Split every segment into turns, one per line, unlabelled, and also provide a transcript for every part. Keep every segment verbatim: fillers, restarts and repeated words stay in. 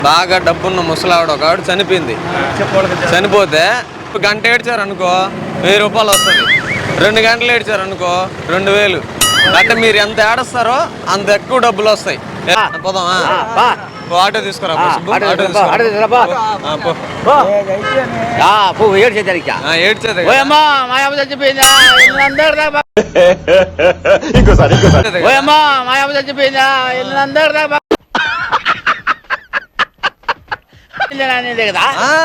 బాగా డబ్బున్న ముసలావిడ ఒక ఆవిడ చనిపోయింది. చనిపోతే గంట ఏడ్చారు అనుకో వెయ్యి రూపాయలు వస్తుంది. రెండు గంటలు ఏడ్చారు అనుకో రెండు వేలు. అంటే మీరు ఎంత ఏడుస్తారో అంత ఎక్కువ డబ్బులు వస్తాయి. పోదామా? ఆటో తీసుకురా. ఏడ్చేది
కదా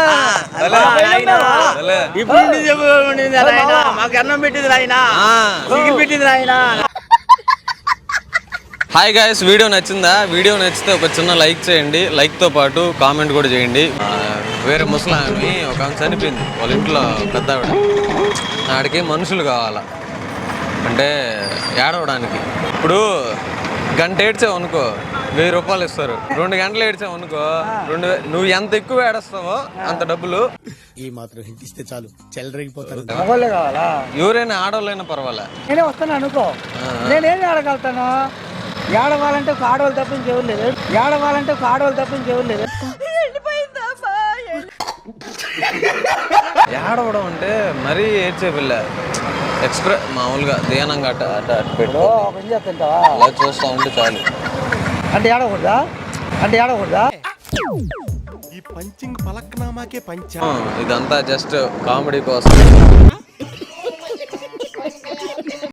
ఇప్పుడు మాకు అన్నం పెట్టింది ఆయన పెట్టింది ఆయన.
హాయ్ గాయ్స్, వీడియో నచ్చిందా? వీడియో నచ్చితే ఒక చిన్న లైక్ చేయండి. లైక్తో పాటు కామెంట్ కూడా చేయండి. వేరే ముసలామి ఒక ఆమె చనిపోయింది. వాళ్ళ ఇంట్లో పెద్ద ఆవిడ. ఆడికి మనుషులు కావాలా అంటే ఏడవడానికి. ఇప్పుడు గంట ఏడ్చావు అనుకో వెయ్యి రూపాయలు ఇస్తారు. రెండు గంటలు ఏడ్చావు అనుకో రెండు వే నువ్వు ఎంత ఎక్కువ ఏడుస్తావో అంత డబ్బులు.
ఈ మాత్రం హింట్ ఇస్తే చాలు చెల్లరగిపోతారు.
ఎవరైనా ఆడవాళ్ళైనా పర్వాలే.
నేనే వస్తాను అనుకో, నేనేం ఆడగలుగుతాను? ఏడవాలంటే ఒక ఆడవాళ్ళు తప్ప ఇంకెవరు లేదు. ఏడవాలంటే ఒక ఆడవాళ్ళు తప్ప ఇంకెవరు లేదు.
ఏడవడం అంటే మరీ ఏడ్చే పిల్ల. ఎక్స్ప్రెస్ మామూలుగా ధ్యానంగా అట్ట అట్ట అట్ట పెట్టు అలా చూస్తూ ఉంటే చాలు.
అంటే ఏడవకూడదా? అంటే ఏడవకూడదా?
ఈ పంచింగ్ పలక్నామాకే పంచ.
ఇదంతా జస్ట్ కామెడీ కోసం.